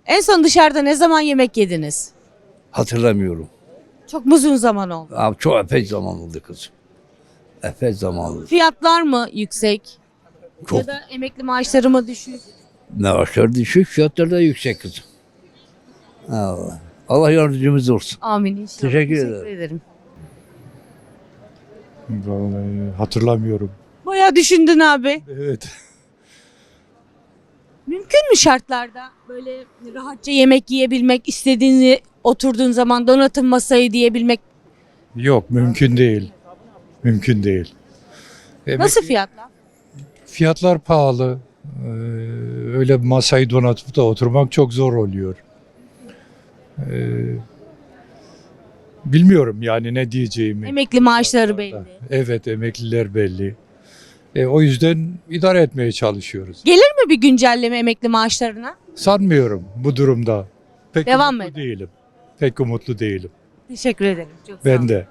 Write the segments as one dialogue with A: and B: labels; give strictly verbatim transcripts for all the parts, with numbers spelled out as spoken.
A: En son dışarıda ne zaman yemek yediniz?
B: Hatırlamıyorum.
A: Çok mu uzun zaman oldu?
B: Abi çok epey zaman oldu kızım. Epey zaman oldu.
A: Fiyatlar mı yüksek?
B: Çok.
A: Ya da emekli maaşları mı düşük?
B: Maaşlar düşük, fiyatlar da yüksek kızım. Allah. Allah yardımcımız olsun.
A: Amin inşallah.
B: Teşekkür ederim.
A: ederim.
C: Vallahi hatırlamıyorum.
A: Bayağı düşündün abi.
C: Evet.
A: Mümkün mü şartlarda böyle rahatça yemek yiyebilmek, istediğini oturduğun zaman donatın masayı diyebilmek?
C: Yok, mümkün değil. Mümkün değil.
A: Nasıl fiyatlar?
C: Fiyatlar pahalı. Ee, öyle bir masayı donatıp da oturmak çok zor oluyor. Ee, bilmiyorum yani ne diyeceğimi.
A: Emekli maaşları belli.
C: Evet, emekliler belli. E, o yüzden idare etmeye çalışıyoruz.
A: Gelir mi bir güncelleme emekli maaşlarına?
C: Sanmıyorum bu durumda. Pek
A: Devam
C: umutlu
A: edin.
C: değilim. Pek umutlu değilim.
A: Teşekkür ederim. Çok sağ
C: Ben
A: olun.
C: de.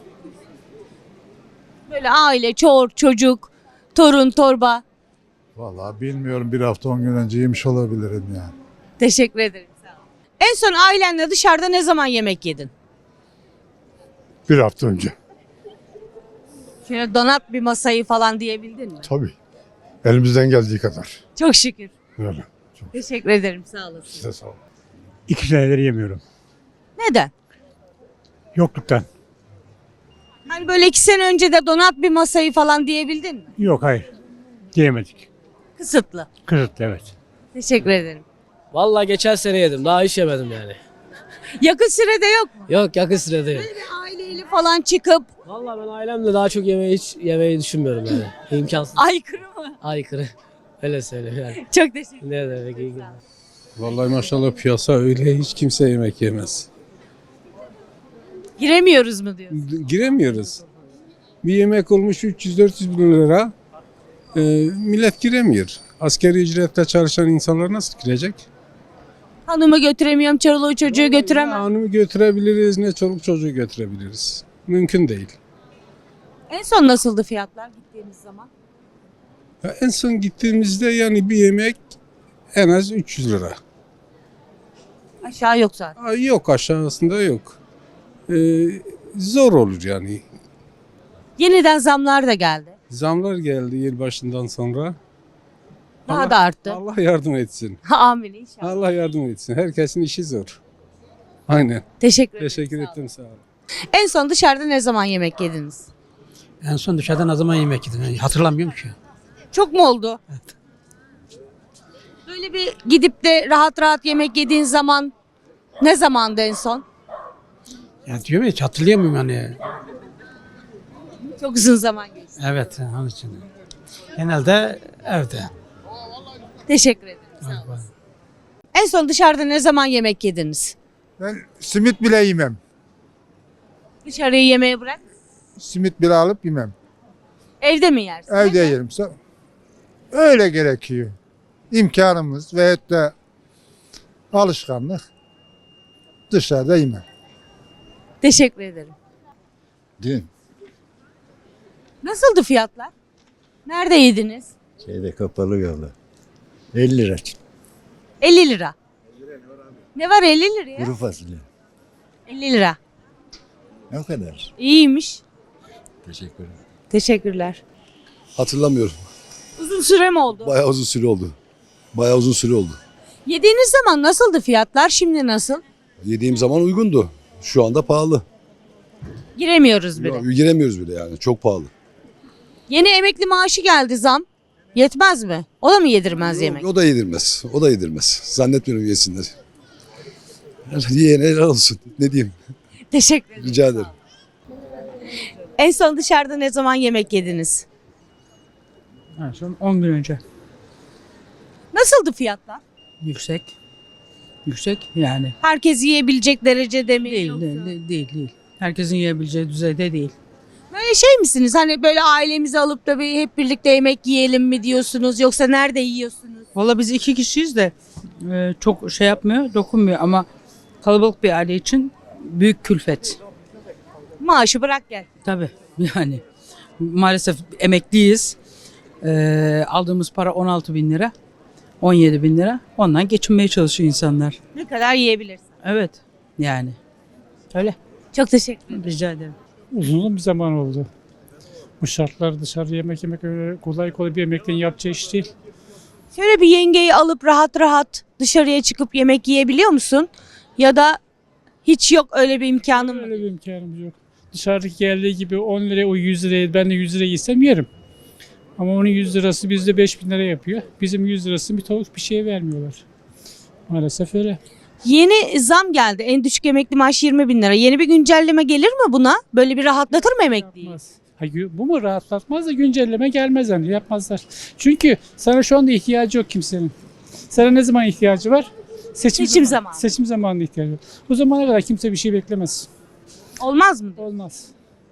A: Böyle aile, çor, çocuk, torun, torba.
D: Vallahi bilmiyorum, bir hafta on gün önce yemiş olabilirim yani.
A: Teşekkür ederim. Sağ olun. En son ailenle dışarıda ne zaman yemek yedin?
D: Bir hafta önce.
A: Şöyle donat bir masayı falan diyebildin mi?
D: Tabii. Elimizden geldiği kadar.
A: Çok şükür.
D: Öyle.
A: Teşekkür ederim. Sağ olasın.
D: Size sağ olun.
E: İki senedir yemiyorum.
A: Neden?
E: Yokluktan.
A: Hani böyle iki sene önce de donat bir masayı falan diyebildin mi?
E: Yok hayır. Diyemedik.
A: Kısıtlı.
E: Kısıtlı evet.
A: Teşekkür ederim.
F: Vallahi geçen sene yedim. Daha hiç yemedim yani.
A: Yakın sürede yok mu?
F: Yok yakın sürede yok.
A: Böyle bir aileyle falan çıkıp
F: Vallahi ben ailemle daha çok yemeği hiç yemeyi düşünmüyorum yani. İmkansız.
A: aykırı mı?
F: Aykırı. Öyle söyleyeyim yani.
A: Çok teşekkür
F: Ne demek iyi günler.
G: Vallahi maşallah piyasa öyle, hiç kimse yemek yemez.
A: Giremiyoruz mu diyor.
G: Giremiyoruz. Bir yemek olmuş üç yüz dört yüz bin lira. Ee, millet giremiyor. Asgari ücretle çalışan insanlar nasıl girecek?
A: Hanımı götüremiyorum, çoluğu çocuğu
G: Ne
A: götüremem.
G: hanımı götürebiliriz, ne çoluk çocuğu götürebiliriz. Mümkün değil.
A: En son nasıldı fiyatlar gittiğimiz zaman?
G: Ya en son gittiğimizde yani bir yemek en az üç yüz lira.
A: Aşağı yok zaten.
G: Aa, yok, aşağısında yok. Ee, zor olur yani.
A: Yeniden zamlar da geldi.
G: Zamlar geldi yılbaşından sonra.
A: Daha
G: Allah-
A: da arttı.
G: Allah yardım etsin.
A: Amin inşallah.
G: Allah yardım etsin. Herkesin işi zor. Aynen.
A: Teşekkür ederim.
G: Teşekkür
A: sağ olun.
G: ettim, sağ olun.
A: En son dışarıda ne zaman yemek yediniz?
H: En son dışarıda ne zaman yemek yedim? Yani hatırlamıyorum ki.
A: Çok mu oldu?
H: Evet.
A: Böyle bir gidip de rahat rahat yemek yediğin zaman ne zamandı en son?
H: Yani diyorum ya hiç hatırlayamıyorum yani.
A: Çok uzun zaman geçti.
H: Evet, onun için. Genelde evde.
A: Teşekkür ederim. Sağ olun. En son dışarıda ne zaman yemek yediniz?
D: Ben simit bile yemem.
A: Dışarıyı yemeğe bırak.
D: Simit bile alıp yemem.
A: Evde mi yersin?
D: Evde
A: Neden?
D: yerim. Sa- Öyle gerekiyor. İmkanımız veyahut da alışkanlık. Dışarıda yemem.
A: Teşekkür ederim.
I: Dün
A: Nasıldı fiyatlar? Nerede yediniz?
I: şeyde kapalı yolda. elli lira.
A: elli lira. Ne var elli liraya?
I: Kuru fasulye.
A: elli lira.
I: Ne kadar?
A: İyiymiş.
I: Teşekkür ederim.
A: Teşekkürler.
J: Hatırlamıyorum.
A: Uzun süre mi oldu?
J: Bayağı uzun süre oldu. Bayağı uzun süre oldu.
A: Yediğiniz zaman nasıldı fiyatlar? Şimdi nasıl?
J: Yediğim zaman uygundu. Şu anda pahalı.
A: Giremiyoruz bile.
J: Ya, giremiyoruz bile yani. Çok pahalı.
A: Yeni emekli maaşı geldi zam. Yetmez mi? O da mı yedirmez yemek?
J: O da yedirmez. O da yedirmez. Zannetmiyorum yesinler. Yiyene helal olsun. Ne diyeyim?
A: Teşekkür ederim.
J: Rica ederim.
A: En son dışarıda ne zaman yemek yediniz?
H: En son on gün önce.
A: Nasıldı fiyatlar?
H: Yüksek. Yüksek yani.
A: Herkes yiyebilecek derecede mi?
H: Değil,
A: yoksa?
H: değil, değil, değil, değil. Herkesin yiyebileceği düzeyde değil.
A: Böyle şey misiniz? Hani böyle ailemizi alıp da bir hep birlikte yemek yiyelim mi diyorsunuz? Yoksa nerede yiyorsunuz?
H: Valla biz iki kişiyiz de e, çok şey yapmıyor, dokunmuyor ama kalabalık bir aile için büyük külfet.
A: Maaşı bırak gel.
H: Tabii yani maalesef emekliyiz. E, aldığımız para on altı bin lira. on yedi bin lira. Ondan geçinmeye çalışıyor insanlar.
A: Ne kadar yiyebilirsin?
H: Evet yani. Öyle.
A: Çok teşekkür ederim.
H: Rica ederim.
E: Uzun bir zaman oldu. Bu şartlar dışarı yemek yemek öyle kolay kolay bir emekliğin yapacağı iş değil.
A: Şöyle bir yengeyi alıp rahat rahat dışarıya çıkıp yemek yiyebiliyor musun? Ya da hiç yok öyle bir imkanın mı?
E: Öyle bir imkanımız yok. Dışarıdaki geldiği gibi on liraya o yüz liraya ben de yüz liraya yesem yerim. Ama onun yüz lirası bizde beş bin lira yapıyor. Bizim yüz lirası bir tavuk bir şeye vermiyorlar. Maalesef öyle.
A: Yeni zam geldi. En düşük emekli maaş yirmi bin lira. Yeni bir güncelleme gelir mi buna? Böyle bir rahatlatır mı emekliyi?
E: Yapmaz. Ha, gü- bu mu rahatlatmaz da güncelleme gelmez yani yapmazlar. Çünkü sana şu anda ihtiyacı yok kimsenin. Sana ne zaman ihtiyacı var? Seçim,
A: Seçim
E: zaman-
A: zamanı.
E: Seçim zamanında ihtiyacı var. O zamana kadar kimse bir şey beklemez.
A: Olmaz mı?
E: Olmaz.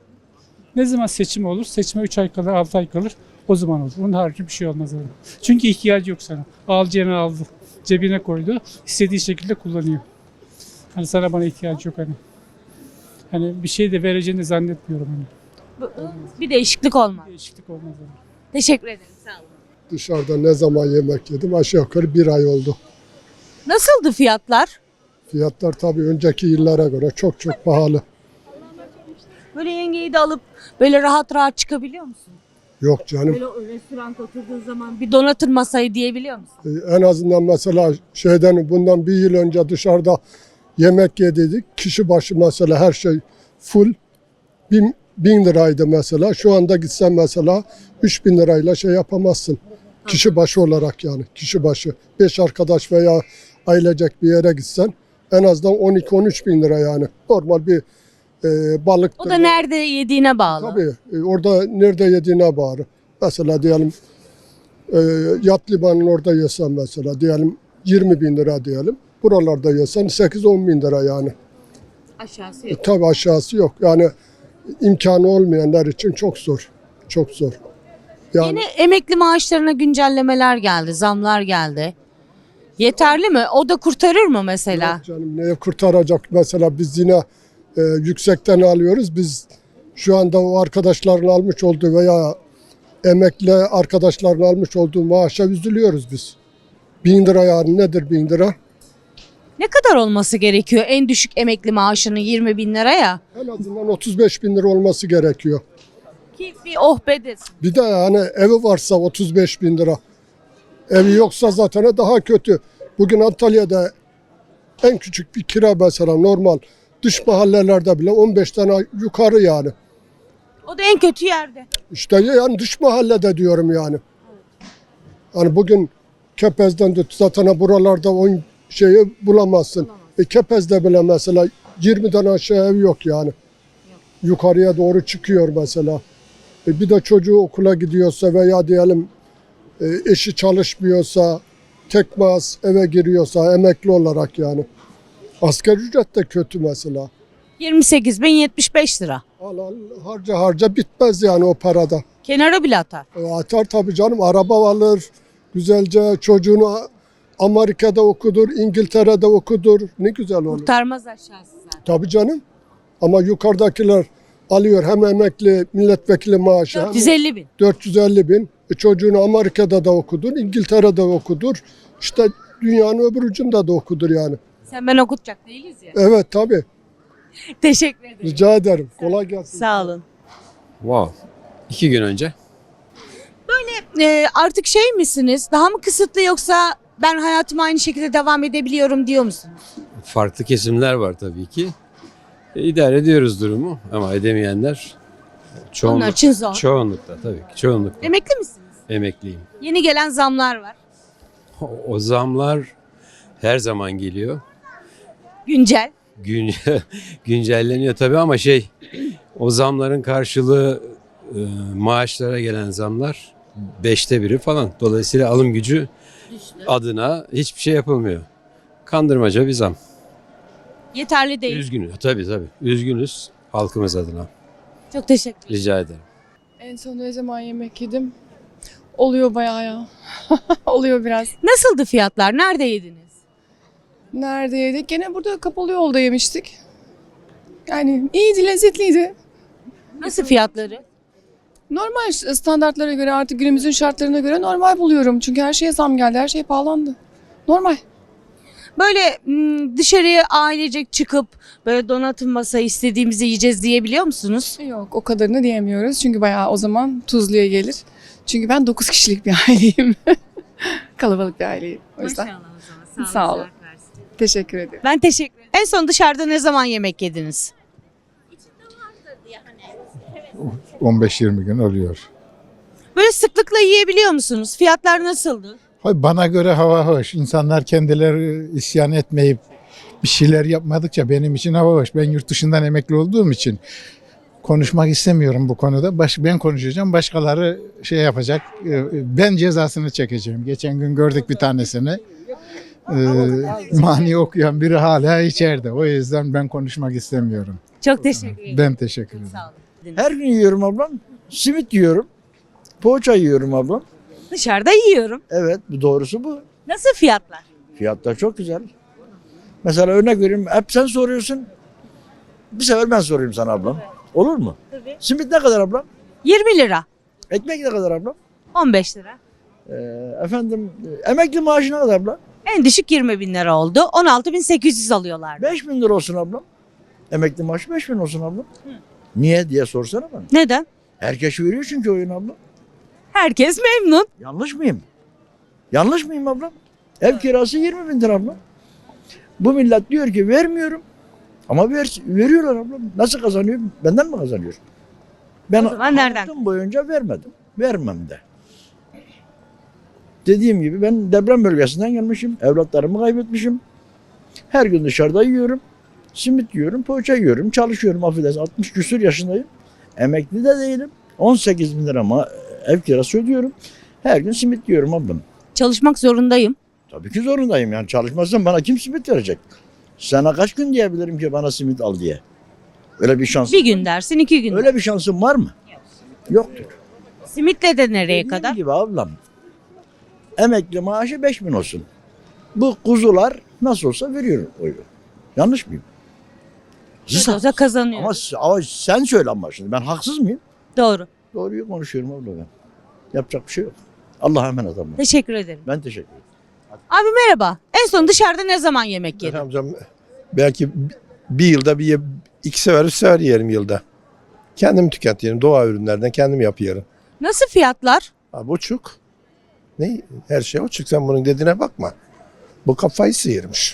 E: Ne zaman seçim olur? Seçime üç ay kalır, altı ay kalır. O zaman olur. Onun harici bir şey olmaz. Öyle. Çünkü ihtiyacı yok sana. Alacağını aldı. Cebine koydu. İstediği şekilde kullanıyor. Hani sana bana ihtiyacı yok hani. Hani bir şey de vereceğini zannetmiyorum hani.
A: Bir değişiklik olmaz.
E: Değişiklik olmaz hani.
A: Teşekkür ederim. Sağ olun.
G: Dışarıda ne zaman yemek yedim? Aşağı yukarı bir ay oldu.
A: Nasıldı fiyatlar?
G: Fiyatlar tabii önceki yıllara göre çok çok pahalı.
A: Böyle yengeyi de alıp böyle rahat rahat çıkabiliyor musun?
G: Yok canım.
A: Böyle o restoranda oturduğun zaman bir donatır masayı diyebiliyor musun?
G: Ee, En azından mesela şeyden bundan bir yıl önce dışarıda yemek yedik. Kişi başı mesela her şey full. Bin, bin liraydı mesela. Şu anda gitsen mesela üç bin lirayla şey yapamazsın. Kişi başı olarak yani. Kişi başı. Beş arkadaş veya ailecek bir yere gitsen en azından on iki on üç bin lira yani. Normal bir e, balık.
A: O da nerede yediğine bağlı.
G: Tabii. E, orada nerede yediğine bağlı. Mesela diyelim e, yat limanın orada yesen mesela diyelim yirmi bin lira diyelim. Buralarda yesen sekiz on bin lira yani.
A: Aşağısı
G: E,
A: yok.
G: tabii aşağısı yok. Yani imkanı olmayanlar için çok zor. Çok zor. Yani
A: Yeni emekli maaşlarına güncellemeler geldi, zamlar geldi. Yeterli mi? O da kurtarır mı mesela?
G: yok canım neye kurtaracak mesela biz yine e, yüksekten alıyoruz. Biz şu anda o arkadaşların almış olduğu veya emekli arkadaşların almış olduğu maaşa üzülüyoruz biz. Bin lira yani nedir bin lira?
A: Ne kadar olması gerekiyor en düşük emekli maaşının yirmi bin liraya?
G: En azından otuz beş bin lira olması gerekiyor.
A: Ki bir oh be desin.
G: Bir de yani evi varsa otuz beş bin lira. Evi yoksa zaten daha kötü. Bugün Antalya'da en küçük bir kira mesela normal dış mahallelerde bile on beş tane yukarı yani.
A: O da en kötü yerde.
G: İşte yani dış mahallede diyorum yani. Hani bugün Kepez'den de zaten buralarda o şeyi bulamazsın. E Kepez'de bile mesela yirmiden aşağı ev yok yani. Yukarıya doğru çıkıyor mesela. E bir de çocuğu okula gidiyorsa veya diyelim e, eşi çalışmıyorsa, tek maaş eve giriyorsa emekli olarak yani. Asgari ücret de kötü mesela.
A: yirmi sekiz bin yetmiş beş lira.
G: Al al harca harca bitmez yani o parada.
A: Kenara bile atar.
G: E, atar tabii canım araba alır, güzelce çocuğunu Amerika'da okudur, İngiltere'de okudur. Ne güzel olur.
A: Kurtarmaz aşağısı zaten.
G: Tabii canım. Ama yukarıdakiler alıyor hem emekli milletvekili maaşı hem
A: dört yüz elli bin.
G: dört yüz elli bin. E, çocuğunu Amerika'da da okudur, İngiltere'de okudur. İşte dünyanın öbür ucunda da okudur yani.
A: Sen ben okutacak değiliz ya.
G: Evet tabii.
A: Teşekkür ederim.
G: Rica ederim. Kolay gelsin.
A: Sağ olun.
K: Wow. İki gün önce.
A: Ee, artık şey misiniz? Daha mı kısıtlı yoksa ben hayatıma aynı şekilde devam edebiliyorum diyor musunuz?
K: Farklı kesimler var tabii ki. E, idare ediyoruz durumu ama edemeyenler çoğunluk,
A: Onlar için zor.
K: çoğunlukta tabii ki çoğunlukta.
A: Emekli misiniz?
K: Emekliyim.
A: Yeni gelen zamlar var.
K: O, o zamlar her zaman geliyor.
A: Güncel.
K: Gün, güncelleniyor tabii ama şey o zamların karşılığı e, maaşlara gelen zamlar beşte biri falan. Dolayısıyla alım gücü adına hiçbir şey yapılmıyor. Kandırmaca bir zam.
A: Yeterli değil.
K: Üzgünüz. Tabii tabii. Üzgünüz halkımız adına.
A: Çok teşekkür ederim.
K: Rica ederim.
L: En son ne zaman yemek yedim? Oluyor bayağı ya. Oluyor biraz.
A: Nasıldı fiyatlar? Nerede yediniz?
L: Nerede yedik? Gene burada kapalı yolda yemiştik. Yani iyiydi, lezzetliydi.
A: Nasıl fiyatları?
L: Normal standartlara göre artık günümüzün şartlarına göre normal buluyorum. Çünkü her şeye zam geldi, her şey pahalandı. Normal.
A: Böyle m, dışarıya ailecek çıkıp böyle donatım masayı istediğimizi yiyeceğiz diyebiliyor musunuz?
L: Yok, o kadarını diyemiyoruz. Çünkü bayağı o zaman tuzluya gelir. Çünkü ben dokuz kişilik bir aileyim. Kalabalık bir aileyim. O yüzden.
A: Maşallah o zaman.
L: Sağ olun. Teşekkür ederim.
A: Ben teşekkür ederim. En son dışarıda ne zaman yemek yediniz?
D: on beş yirmi gün oluyor.
A: Böyle sıklıkla yiyebiliyor musunuz? Fiyatlar nasıldı?
D: Hayır, bana göre hava hoş. İnsanlar kendileri isyan etmeyip bir şeyler yapmadıkça benim için hava hoş. Ben yurt dışından emekli olduğum için konuşmak istemiyorum bu konuda. Baş, ben konuşacağım, başkaları şey yapacak. Ee, Ben cezasını çekeceğim. Geçen gün gördük bir tanesini. Ee, mani okuyan biri hala içeride. O yüzden ben konuşmak istemiyorum.
A: Çok teşekkür ederim.
D: Ben teşekkür ederim.
A: Sağ olun.
B: Her gün yiyorum ablam. Simit yiyorum. Poğaça yiyorum ablam.
A: Dışarıda yiyorum.
B: Evet, bu doğrusu bu.
A: Nasıl fiyatlar?
B: Fiyatlar çok güzel. Mesela örnek vereyim. Hep sen soruyorsun. Bir sefer ben sorayım sana ablam. Olur mu?
A: Tabii.
B: Simit ne kadar ablam?
A: yirmi lira.
B: Ekmek ne kadar ablam?
A: on beş lira.
B: Ee, efendim emekli maaşı ne kadar ablam?
A: En düşük yirmi bin lira oldu. on altı bin sekiz yüz alıyorlardı.
B: beş bin lira olsun ablam. Emekli maaşı beş bin olsun ablam. Niye diye sorsana bana.
A: Neden?
B: Herkes veriyor çünkü oyun ablam.
A: Herkes memnun.
B: Yanlış mıyım? Yanlış mıyım ablam? Ev kirası yirmi bin lira ablam. Bu millet diyor ki vermiyorum. Ama ver, veriyorlar ablam. Nasıl kazanıyor? Benden mi kazanıyor? Ben
A: O zaman nereden?
B: hayatım boyunca vermedim. Vermem de. Dediğim gibi ben deprem bölgesinden gelmişim. Evlatlarımı kaybetmişim. Her gün dışarıda yiyorum. Simit yiyorum, poğaça yiyorum. Çalışıyorum affedersin. altmış küsur yaşındayım. Emekli de değilim. on sekiz bin lira ama ev kirası ödüyorum. Her gün simit yiyorum ablam.
A: Çalışmak zorundayım.
B: Tabii ki zorundayım yani çalışmazsam bana kim simit verecek? Sana kaç gün diyebilirim ki bana simit al diye? Öyle bir şans.
A: Bir gün dersin, iki gün.
B: Öyle bir şansın var mı? Yoktur.
A: Simitle de nereye
B: Dediğim
A: kadar?
B: gibi ablam. Emekli maaşı beş bin olsun. Bu kuzular nasıl olsa veriyor oyu. Yanlış mıyım?
A: Nasıl olsa kazanıyor.
B: Ama, ama sen söyle ama şimdi ben haksız mıyım?
A: Doğru.
B: Doğruyu konuşuyorum abla ben. Yapacak bir şey yok. Allah'a emanet abla.
A: Teşekkür ederim.
B: Ben teşekkür ederim.
A: Abi merhaba. En son dışarıda ne zaman yemek yedin?
J: Amcam belki bir yılda bir ye- iki sefer üç sefer yerim yılda. Kendim tüketiyorum. Doğa ürünlerden kendim yapıyorum.
A: Nasıl fiyatlar?
J: Ha, buçuk. Ne? Her şey uçuk. Sen bunun dediğine bakma. Bu kafayı sıyırmış.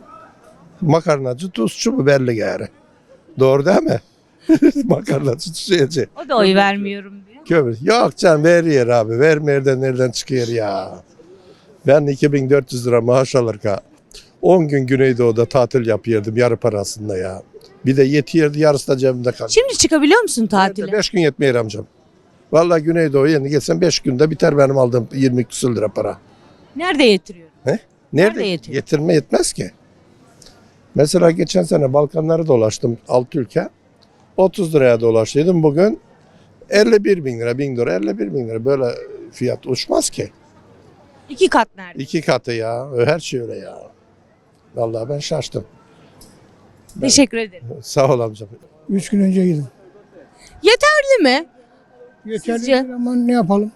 J: Makarnacı, tuzcu, biberli gari. Doğru değil mi? Makarnacı, tuzcu.
A: O da oy vermiyorum diyor.
J: Kömür. Yok canım veriyor abi. Vermeyer de nereden çıkıyor ya. Ben iki bin dört yüz lira maaş alırken on gün Güneydoğu'da tatil yapıyordum yarı parasında ya. Bir de yetiyordu yarısı da cebimde kaldı.
A: Şimdi çıkabiliyor musun tatile?
J: beş gün yetmiyor amcam. Vallahi Güneydoğu'ya yeni gelsem beş günde biter benim aldığım yirmi küsur lira para.
A: Nerede yatırıyor?
J: Nerede?
A: Nerede yetiyor?
J: Getirme yetmez ki. Mesela geçen sene Balkanları dolaştım altı ülke. otuz liraya dolaştıydım. Bugün elli bir bin lira, bin lira, elli bir bin lira. Böyle fiyat uçmaz ki.
A: İki kat nerede?
J: İki katı ya. Her şey öyle ya. Vallahi ben şaştım.
A: Teşekkür ederim.
J: Sağ ol amcam.
G: Üç gün önce yedim.
A: Yeterli mi?
G: Yeterli
A: Sizce?
G: değil ama ne yapalım?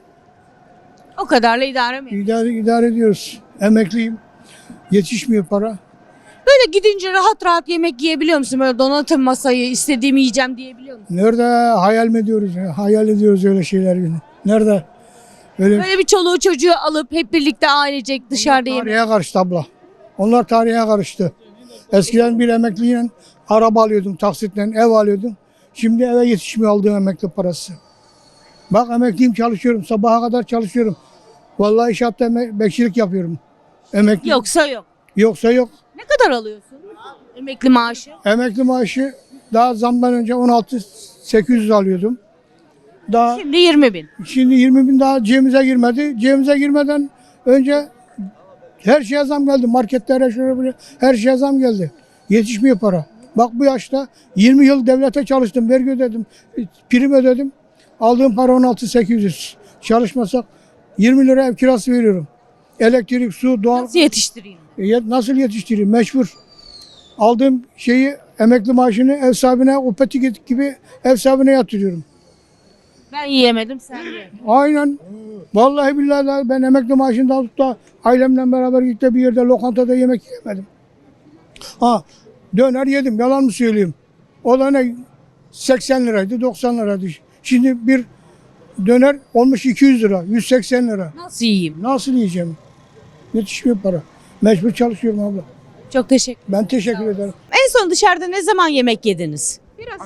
A: O kadarla idare mi?
G: İdare, idare ediyoruz. Emekliyim. Yetişmiyor para.
A: Böyle gidince rahat rahat yemek yiyebiliyor musun? Böyle donatım masayı istediğimi yiyeceğim diyebiliyor musun?
G: Nerede hayal mi ediyoruz? Ya? Hayal ediyoruz öyle şeyler yine. Nerede? Öyle
A: Böyle bir çoluğu çocuğu alıp hep birlikte ailecek dışarıda yemek.
G: tarihe karıştı abla. Onlar tarihe karıştı. Eskiden bir emekliyle araba alıyordum, taksitle ev alıyordum. Şimdi eve yetişmiyor aldığım emekli parası. Bak emekliyim, çalışıyorum. Sabaha kadar çalışıyorum. Vallahi inşaatta emek- bekçilik yapıyorum. Emekli.
A: Yoksa yok.
G: Yoksa yok.
A: Ne kadar alıyorsun? Emekli maaşı.
G: Emekli maaşı daha zamdan önce on altı bin sekiz yüz alıyordum. Daha
A: Şimdi yirmi bin.
G: şimdi yirmi bin daha cebimize girmedi. Cebimize girmeden önce her şeye zam geldi. Marketlere şöyle böyle her şeye zam geldi. Yetişmiyor para. Bak bu yaşta yirmi yıl devlete çalıştım. Vergi ödedim. Prim ödedim. Aldığım para on altı bin sekiz yüz. Çalışmasak yirmi lira ev kirası veriyorum. Elektrik, su, doğal.
A: Nasıl yetiştireyim?
G: E, Nasıl yetiştireyim? Mecbur. Aldığım şeyi emekli maaşını ev sahibine, o petik gibi ev sahibine yatırıyorum.
A: Ben yiyemedim sen ye.
G: Aynen. Vallahi billahi de ben emekli maaşını alıp da ailemle beraber gidip de bir yerde lokantada yemek yemedim. Ha döner yedim yalan mı söyleyeyim. O da ne seksen liraydı doksan liraydı. Şimdi bir döner olmuş iki yüz lira yüz seksen lira.
A: Nasıl yiyeyim?
G: Nasıl yiyeceğim? Yetişmiyor para. Mecbur çalışıyorum abla.
A: Çok teşekkür
G: Ben teşekkür ederim.
A: En son dışarıda ne zaman yemek yediniz?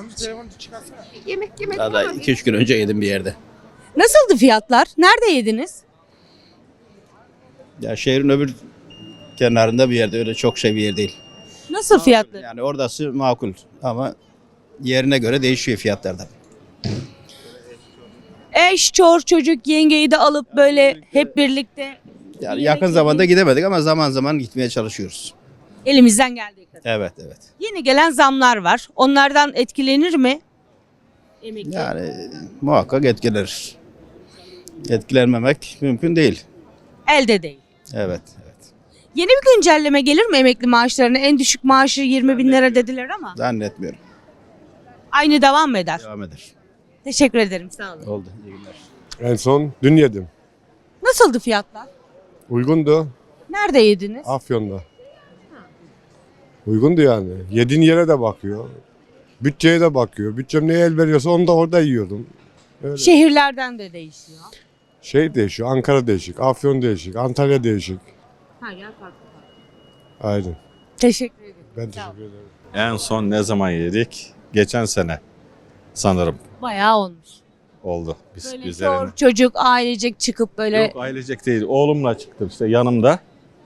F: Ya da iki üç gün önce yedim bir yerde.
A: Nasıldı fiyatlar? Nerede yediniz?
F: Ya şehrin öbür kenarında bir yerde, öyle çok şey bir yer değil.
A: Nasıl fiyatlar?
F: Yani oradası makul ama yerine göre değişiyor fiyatlarda.
A: Eş, çor, çocuk, yengeyi de alıp böyle hep birlikte
F: Yani
A: yemek
F: yakın zamanda gidemedik ama zaman zaman gitmeye çalışıyoruz.
A: elimizden geldiği kadar.
F: Evet evet.
A: Yeni gelen zamlar var. Onlardan etkilenir mi? Emekli.
F: Yani muhakkak etkiler. Etkilenmemek mümkün değil.
A: Elde değil.
F: Evet. evet.
A: Yeni bir güncelleme gelir mi emekli maaşlarına? En düşük maaşı yirmi bin lira dediler ama
F: Zannetmiyorum.
A: aynı devam mı eder?
F: Devam eder.
A: Teşekkür ederim sağ olun.
F: Oldu. İyi günler.
J: En son dün yedim.
A: Nasıldı fiyatlar?
J: Uygundu.
A: Nerede yediniz?
J: Afyon'da. Uygundu yani. Yediğin yere de bakıyor. Bütçeye de bakıyor. Bütçem neye el veriyorsa onu da orada yiyordum. Öyle.
A: Şehirlerden de değişiyor.
J: Şey değişiyor. Ankara değişik. Afyon değişik. Antalya değişik.
A: Her yer farklı.
J: Aynen.
A: Teşekkür ederim.
J: Ben teşekkür ederim.
I: En son ne zaman yedik? Geçen sene sanırım
A: Bayağı olmuş.
I: oldu. Biz
A: Böyle
I: üzerine.
A: çor, çocuk ailecek çıkıp böyle
I: Yok ailecek değil. Oğlumla çıktım işte yanımda.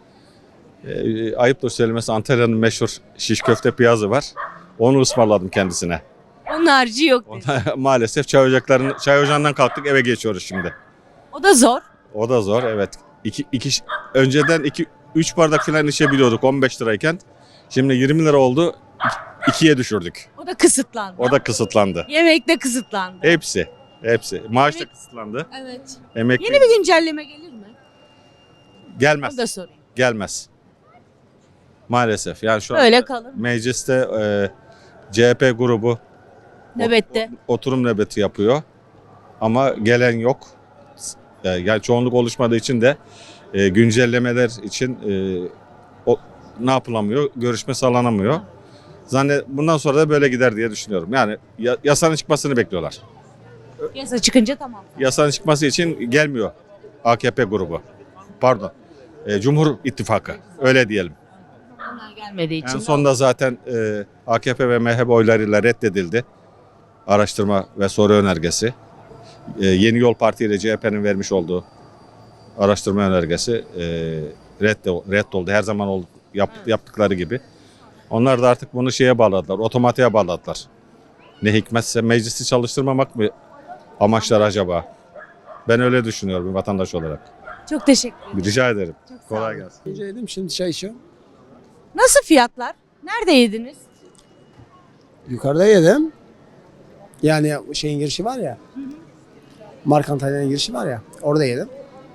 I: Ee, ayıptır söylemesi Antalya'nın meşhur şiş köfte piyazı var. Onu ısmarladım kendisine.
A: onun harcı yok dedi.
I: Ona, maalesef çay ocaklarının çay ocağından kalktık eve geçiyoruz şimdi.
A: O da zor.
I: O da zor evet. İki, iki, önceden iki, üç bardak falan içebiliyorduk on beş lirayken. Şimdi yirmi lira oldu. iki- ikiye düşürdük.
A: O da kısıtlandı.
I: O da kısıtlandı.
A: Yemek de kısıtlandı.
I: Hepsi. Hepsi. Maaş da
A: Evet.
I: kısıtlandı.
A: Evet.
I: Emekli
A: Yeni bir güncelleme gelir mi?
I: gelmez.
A: Onu da sorayım.
I: Gelmez. Maalesef. Yani şu an
A: Böyle kalır.
I: mecliste e, C H P grubu
A: Nöbette.
I: oturum nöbeti yapıyor. Ama gelen yok. E, Yani çoğunluk oluşmadığı için de e, güncellemeler için e, o, ne yapılamıyor? Görüşme sağlanamıyor. Zannet bundan sonra da böyle gider diye düşünüyorum. Yani ya- yasanın çıkmasını bekliyorlar.
A: Yasa çıkınca tamam.
I: Yasanın çıkması için gelmiyor A K P grubu. Pardon. E, Cumhur İttifakı. Öyle diyelim.
A: Onlar gelmediği için.
I: En sonunda zaten e, A K P ve M H P oylarıyla reddedildi. Araştırma ve soru önergesi. E, Yeni Yol Parti ile C H P'nin vermiş olduğu araştırma önergesi e, redde- reddoldu. Her zaman oldu, yap, yaptıkları gibi. Onlar da artık bunu şeye bağladılar, otomatiğe bağladılar. Ne hikmetse meclisi çalıştırmamak mı amaçlar acaba? Ben öyle düşünüyorum bir vatandaş olarak.
A: Çok teşekkür ederim.
I: Rica ederim.
A: Çok sağ
I: Kolay
A: olun.
I: gelsin.
F: Önce yedim şimdi çay içiyorum.
A: Nasıl fiyatlar? Nerede yediniz?
F: Yukarıda yedim. Yani şeyin girişi var ya. Markantalya'nın girişi var ya. Orada yedim.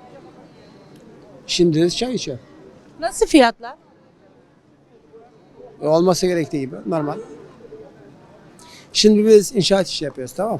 F: Şimdi de çay içiyorum.
A: Nasıl fiyatlar?
F: Olması gerektiği gibi normal. Şimdi biz inşaat işi yapıyoruz, tamam.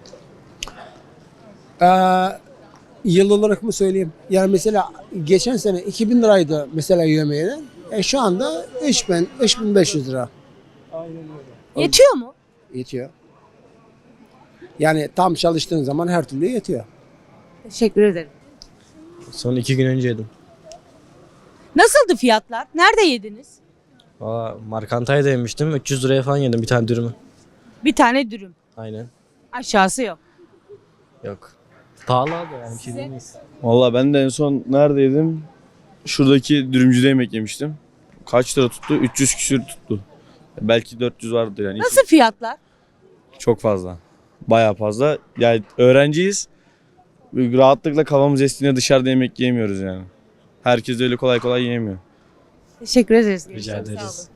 F: Ee, yıl olarak mı söyleyeyim? Yani mesela geçen sene iki bin liraydı mesela yemeğine. E şu anda üç bin, üç bin beş yüz lira.
A: Yetiyor mu?
F: Yetiyor. Yani tam çalıştığın zaman her türlü yetiyor.
A: Teşekkür ederim.
F: Son iki gün önce yedim.
A: Nasıldı fiyatlar? Nerede yediniz?
F: Valla Markantay'da yemiştim. üç yüz liraya falan yedim bir tane dürümü.
A: Bir tane dürüm.
F: Aynen.
A: Aşağısı yok.
F: Yok. Pahalı abi yani bir şey demeyiz.
M: Valla ben de en son neredeydim? Şuradaki dürümcüde yemek yemiştim. Kaç lira tuttu? üç yüz küsür tuttu. Belki dört yüz vardır yani.
A: Nasıl fiyatlar?
M: Çok fazla. Bayağı fazla. Yani öğrenciyiz. Rahatlıkla kafamız estiğinde dışarıda yemek yiyemiyoruz yani. Herkes öyle kolay kolay yiyemiyor.
A: Teşekkür ederiz.
F: Rica
A: Sağ olun.
F: ederiz.